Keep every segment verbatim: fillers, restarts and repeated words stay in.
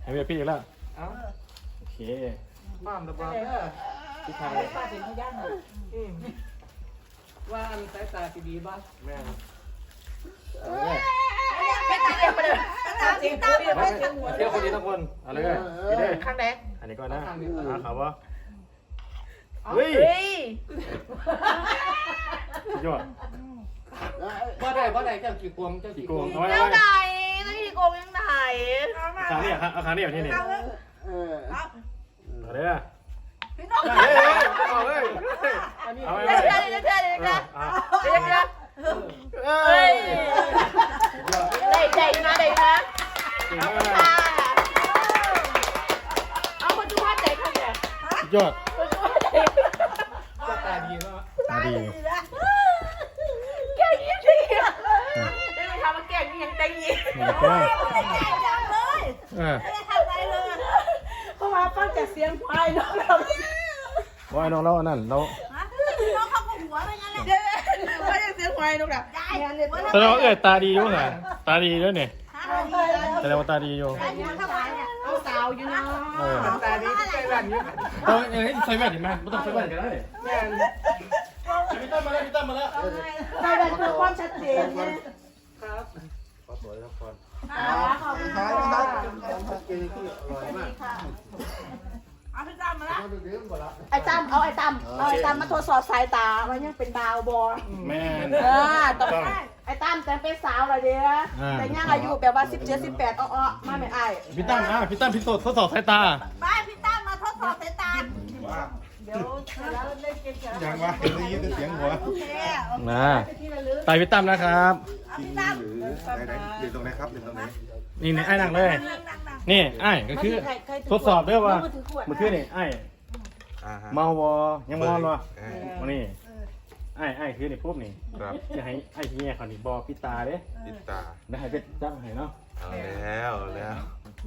ให้เมียพี่อีกแล้วเอ้าโอเคบ้ามระบาดพี่ไทยป้าเป็นพยานหน่อยว่าอันสายตาสีดีบ้างแม่เป็นตาเดียวไปเลยตาจริงตาเดียวมาเป็นเสียงหัวเที่ยวคนนี้ทุกคนเอาเลยพี่เด้ข้างไหนอันนี้ก่อนนะอ่าครับวะเฮ้ยยอดบ่ได้บ่ได้เจ้ากี่กวงเจ้ากี่กี่โกกวงงเอาไว้เจ้าเอาไหนไว้นี่โกงยังไหนขาเนี่ยครับเอาขาเนี่ยที่นี่เออเอาเลยอ่ะพี่น้องเฮ้ยเอาเลยเอาไว้เดี๋ยวเดี๋ยวเดี๋ยวเดี๋ยวเดี๋ยวเดี๋ยวเดี๋ยวเฮ้ยได้ได้นะได้นะเก่งเอามากเอาคนดูว่าใจเขาเนี่ยยอดคนดูว่าใจก็ตาดีเนาะมาดีแก่ยิ่งดีได้ไปทำมาแก่ยิ่งใจยิ่งนี่ก็จังเลยเออไม่ได้ทำอะไรเลยเพราะว่าฟังจากเสียงควายน้องเราว่าน้องเราอันนั้นเราน้องเขาก็หัวไปงั้นแหละเดี๋ยวฟังจากเสียงควายน้องเราได้แสดงว่าเอ้ยตาดีอยู่ไงตาดีด้วยเนี่ยแสดงว่าตาดีอยู่เอาสาวอยู่เนาะเออตาดีใส่แว่นอยู่ต้องเอ้ยใส่แว่นเห็นไหมไม่ต้องใส่แว่นก็ได้แม่นพี่ตั้มมาแล้วพี่ตั้มมาแล้วได้แบบเพื่อความชัดเจนไงครับขอสวยครับก่อนขอบคุณท้าค่ะยนะครับชัดเจนที่อร่อยมากเอาพี่ตั้มมาละเขาดูดื่มหมดละไอ้ตั้มเอาไอ้ตั้มเอาไอ้ตั้มมาทดสอบสายตาว่ายังเป็นดาวบอแม่เออต้องไอ้ตั้มแต่เป็นสาวเลยเด้อแต่ยังอายุแบบว่าสิบเจ็ดสิบแปดอ้อๆมาไม่ไอ้พี่ตั้มอ่ะพี่ตั้มพิสูจน์ทดสอบสายตาไปพี่ตั้มมาทดสอบสายตาเดี๋ยวแล้วเล่นเกมเสร็จแล้วยังวะได้ยินแต่เสียงหัวโอเคนะตายพี่ตั้มนะครับจริงหรือไหนไหนเรียนตรงไหนครับเรียนตรงไหนนี่นี่ไอ้หนักเลย นี่ไอ้ก็คือทดสอบด้วยว่าเมื่อคืนนี่ไอ้อ่าฮะเมาวอยังเมาวอเออมานี่ไอ้ไอ้คือนี่ปุ๊บนี่ครับจะให้ไอ้ที่เนี่ยเขานี่บอปิตาเด้ติดตาได้ให้เป็นจับให้เนาะเอาแล้วเอาแล้วโอเค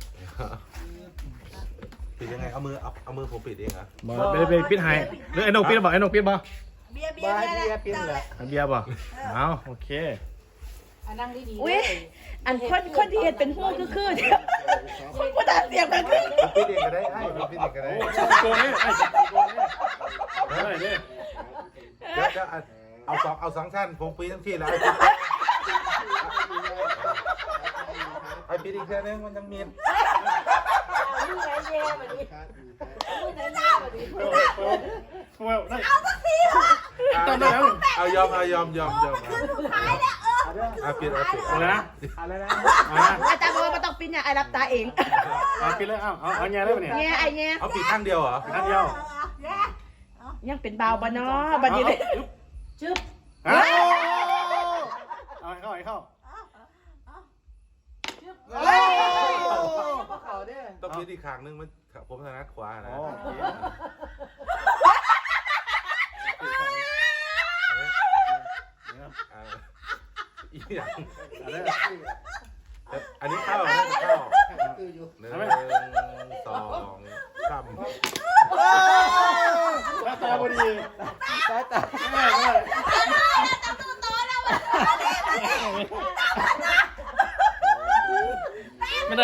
ปิดยังไงเอามือเอาเอามือผมปิดเองเหรอบอไปไปปิดให้หรือไอ้นกปิดบ่ไอ้นกปิดบ่เบียร์เบียบ้าร์เบียร์เป็นแหละไอ้เบียร์บ่เอาโอเคอุ้ยอันคนคนที่เห็นเป็นหูคือคือเดียวคนผู้ด่าเสียงกันคือผมปิดเองก็ได้ไอ้ผมปิดเองก็ได้โกงนี่ไอ้โกงนี่ได้เด้เดี๋ยวจะเอาสองเอาสองชั้นผมปิดทั้งที่แล้วไอ้ปิดอีกแค่นึงมันยังมีเอาสักทีเหรอตอนนั้นเอายอมเอายอมยอมยอมเอาปิดเอาปิดอะไรนะอะไรนะอาจารย์บอกว่าไม่ต้องปิ้นเนี่ยไอ้รับตาเองเอาปิดเลยเอาเอาเอาแง่ได้ปะเนี่ยเนี่ยไอ้เนี่ยเอาปิดข้างเดียวเหรอนัดเดียวยังเป็นเบาบ้านเนาะบัดนี้เลยจึ๊บเอาเอาให้เข้าให้เข้าเขาเด้อต้องปิดอีกข้างนึงมันผมถนัดขวานะอ๋อโอเคอ่าอีกอย่างอะไรอันนี้เข้าอันนี้เข้าหนึ่งสองสามหน้าตาพอดีสายตาแม่แม่ไม่ได้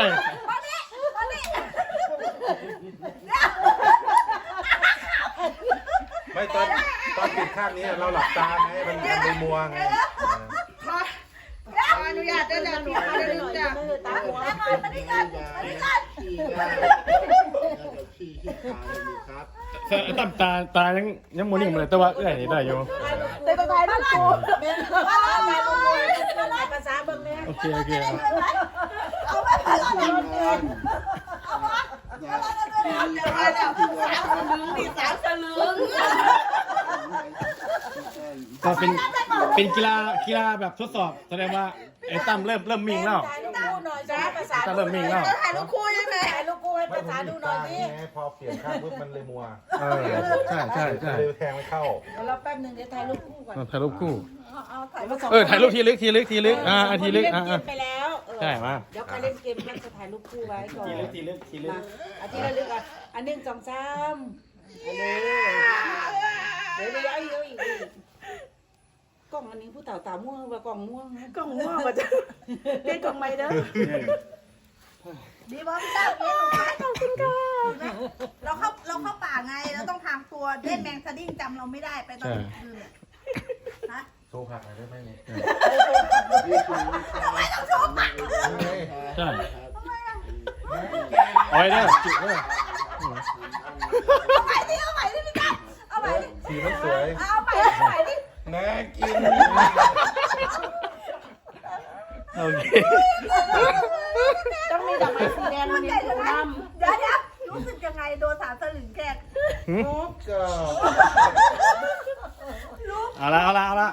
ไม่ตอนตอนปิดข้างนี้เราหลับตาไงมันมันเลยมัวไงอนุญาตจะจะดูเขาได้ดูจ้ะตาหัวมาดิกันมาดิกันตั้มตาตายังยังโมนิ่งมาเลยแต่ว่าเอ้ยได้อยู่แต่ก็ถ่ายรูปกูถ่ายรูปกูภาษาเบิ่งเนี่ยโอเคโอเคเอาไปภาษาเบิ่งเนี่ยเอาวะเอาเดี๋ยวเดี๋ยวสามสลึงดิสามสลึงก็เป็นเป็นกีฬากีฬาแบบทดสอบแสดงว่าไอ้ตั้มเริ่มเริ่มมิ่งแล้วถ่ายรูปคู่หน่อยจ้าภาษาตั้มเริ่มมิ่งแล้วถ่ายรูปคู่ยังไงถ่ายรูปคู่ให้ภาษาดูหน่อยดิไงพอเปลี่ยนข้างปุ๊บมันเลยมัวเออใช่ใช่ใช่เลยแทงไม่เข้าเดี๋ยวเราแป๊บนึงเดี๋ยวถ่ายรูปคู่ก่อนถ่ายรูปคู่เอาถ่ายรูปสองเออถ่ายรูปทีลึกทีลึกทีลึกอ่าทีลึกอ่าเล่นเกมไปแล้วใช่มาเดี๋ยวใครเล่นเกมก็จะถ่ายรูปคู่ไว้ก่อนทีลึกทีลึกทีลึกมาอันที่ระลึกอ่ะอันหนึ่งสองสามอันนี้เดี๋ยวเดี๋ยวอีกอีกกล้องอันนี้ผู้เต่าตาม่วงว่ากล้องม่วงกล้องม่วงว่าจะเล่นกล้องไม่เด้อดีบอพี่ตั้มเย็นหนูไหมขอบคุณค่ะเราเข้าเราเข้าป่าไงเราต้องทางตัวเล่นแมงสดิ้งจำเราไม่ได้ไปตอนกลางคืนเนี่ยฮะโชว์ผักหน่อยได้ไหมเนี่ยทำไมต้องโชว์ปากใช่ทำไมอ่ะเอาไว้เด้อจุเด้อเอาใหม่ดิเอาใหม่ดิพี่ตั้มเอาใหม่ดิสีมันสวยเอาใหม่ดิเอาใหม่ดิน่ากินโอเคต้องมีดอกไม้สีแดงมัมัน นใหยัญ่งจัดูงไงน้ำเดี๋ยวเดี๋ยวรู้สึกยังไงโดนสามสลึงแกล้งก็เอาละเอาละเอาละ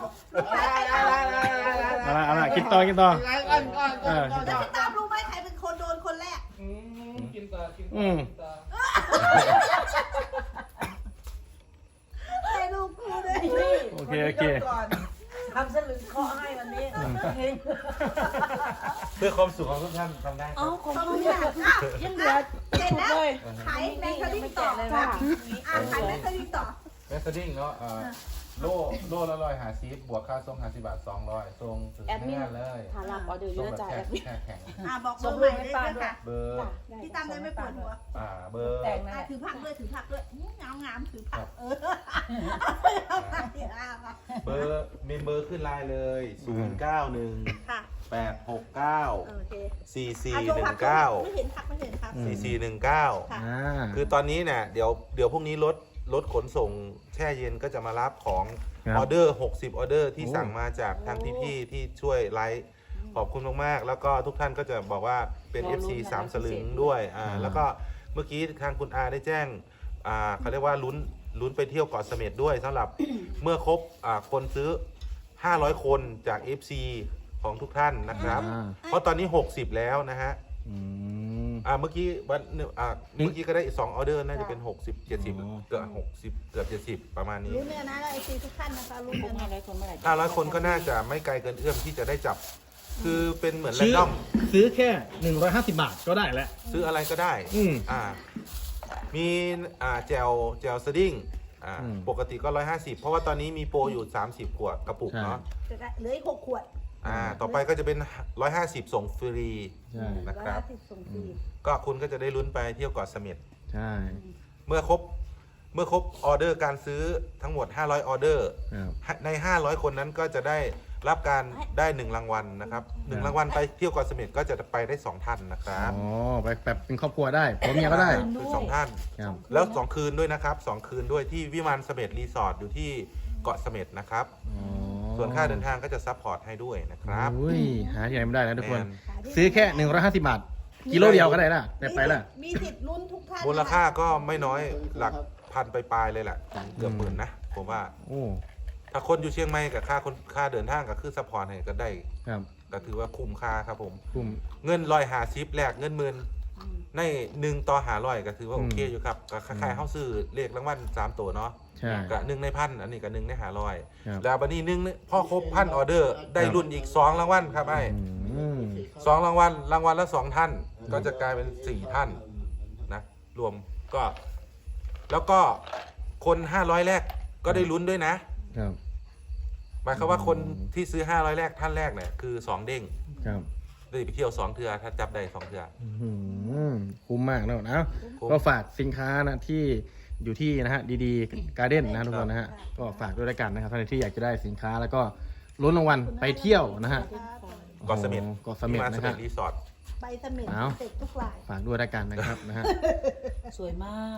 เอาละเอาละคิดต่อคิดต่อเออแล้วพี่ตั้มรู้ไหมใครเป็นคนโดนคนแรกอืมกินตากินอืตาม กินตาใครรู้กูเลยโอเคโอเคทำสลึงเคาะให้วันนี้เพื่อความสุขของทุกท่านทำได้คเอารับของขอบเขาคุณเนี่ยค่ะยังเหลือเสร็จถูกแล้วเลยขายแมงสดิ้งต่อเลยค่ะค่ะอ่ะขายแมงสดิ้งต่อแมสดิ้งเนาะเอ่อโล่โล่ละร้อยหาซีบวกค่าส่งหาสิบบาทสองร้อยส่งถึงแอดมินหน้าเลยฐานหลักออเดอร์เยส่งอะแบบจ่ายแค่แอดมินแค่แข็งอ่ะบอกเบอร์ใหม่เลยด้วยค่ะเบอร์พี่ตั้มเลยไม่ปวดหัวอ่าเบอร์แต่งนะอ่ะถือผักด้วยถือผักด้วยงามงามๆถือผักเออเบอร์เมมเบอร์ขึ้นไลน์เลยศูนย์เก้าหนึ่งค่ะแปดหกเก้าโอเคสี่สี่อ่ะหโชว์นึ่ผังเก้าไม่เห็นผักไม่เห็นผักสี่สี่หนึ่งเก้าค่ะอ่าคือตอนนี้เนี่ยเดี๋ยวเดี๋ยวพรุ่งนี้รถรถขนส่งแช่เย็นก็จะมารับของครับออเดอร์หกสิบออเดอร์ที่โอ้สั่งมาจากทางพี่ๆที่ช่วยไลฟ์ขอบคุณมากๆ แล้วก็ทุกท่านก็จะบอกว่าเป็น เอฟ ซี สามสลึงด้วยอ่าแล้วก็เมื่อกี้ทางคุณอาได้แจ้งอ่าเขาเรียกว่าลุ้นลุ้นไปเที่ยวเกาะเสม็ดด้วยสำหรับ เมื่อครบอ่าคนซื้อ ห้าร้อย คนจาก เอฟ ซี ของทุกท่านนะครับอ่าเพราะตอนนี้ หกสิบ แล้วนะฮะอืมอ่าเมื่อกี้วันอ่าเมื่อกี้ก็ได้อีกสองออเดอร์น่าจะเป็น หกสิบ เจ็ดสิบอ๋อเกือบหกสิบเกือบเจ็ดสิบประมาณนี้รู้เนื้อนะไอซีทุกท่านนะคะรู้คเนื้งอห้านะร้อยคนเมื่อไหร่ห้าร้อยคนก็น่าจะไม่ไกลเกินเอื้อมที่จะได้จับ คือเป็นเหมือนแรซื้นอดอมซื้อแค่หนึ่งร้อยห้าสิบบาทก็ได้แล้วซื้ออะไรก็ได้อืมอ่ามีอ่าแจวแจวสดิ้งอ่าอืมปกติก็ร้อยห้าสิบเพราะว่าตอนนี้มีโปรอยู่สามสิบขวดกระปุกใช่เนาะจะได้เหลืออีกหกขวดอ่าต่อไปก็จะเป็นร้อยห้าสิบส่งฟรีใช่นะครับอยห้าสิบส่งฟรีก็คุณก็จะได้ลุ้นไปเที่ยวเกาะเสม็ดใช่เมื่อครบเมื่อครบออเดอร์การซื้อทั้งหมดห้าร้อยออเดอร์ครับใน ห้าร้อย คนนั้นก็จะได้รับการได้หนึ่งรางวัลนะครับหนึ่งรางวัลไปเที่ยวเกาะเสม็ดก็จะไปได้สองท่านนะครับอ๋อไปแบบเป็นครอบครัวได้ผมเมียก็ได้คือสองท่านครับแล้วสองคืนด้วยนะครับสองคืนด้วยที่วิมานเสม็ดรีสอร์ทอยู่ที่เกาะเสม็ดนะครับอ๋อส่วนค่าเดินทางก็จะซัพพอร์ตให้ด้วยนะครับอุ้ยหาที่ไหนไม่ได้นะทุกคนแมซื้อแค่หนึ่งร้อยห้าสิบบาท กิโลเดียวก็ได้ละได้ไปละมีสิทธิ์ลุ้นทุกท่านมูลค่าก็ไม่น้อยหลักพันไปปลายๆเลยแหละถึงเกือบหมื่นนะผมว่าโอ้ถ้าคนอยู่เชียงใหม่กับค่าคนค่าเดินทางกับคือซัพพอร์ตให้ก็ได้ครับก็ถือว่าคุ้มค่าครับผมคุ้มเงินลอยหาซิปแลกเงินหมื่นในหนึ่งต่อหาร้อยก็ถือว่าอืโอมเคอยู่ครับก็คล้ายๆเข้าซื้อเลขรางวัลสามตัวเนาะใช่กับหนึ่งในพันอันนี้กับหนึ่งในหาร้อยครับแล้วบันนี้หนึ่งพ่อครบพันออเดอร์ ได้รุ่นอีกสองรางวัลครับไอ้อืมสองรางวัลรางวัลละสองท่าน ก็จะกลายเป็นสี่ท่านนะรวมก็ แล้วก็คนห้าร้อยแรกก็ได้ลุ้นด้วยนะครับ หมายความว่าคนที่ซื้อห้าร้อยแรกท่านแรกเนี่ยคือสองเด้งครับได้ไปเที่ยวสองเทือถ้าจับได้สองเทืออื้อหือคุ้มมากแล้วนะคุ้มก็ฝากสินค้านะที่อยู่ที่นะฮะดีๆการ์เด้นนะทุกคนนะฮะก็ฝากด้วยแล้วกันนะครับท่านที่อยากจะได้สินค้าแล้วก็ลุ้นรางวัลไปเที่ยวนะฮะเกาะเสม็ดโอ้โหเกาะเสม็ดวิมานนะเสม็ฮะดรีสอร์ทไปเสม็ดเอาเสร็จทุกรายฝากด้วยแล้วกันนะครับนะฮะสวยมาก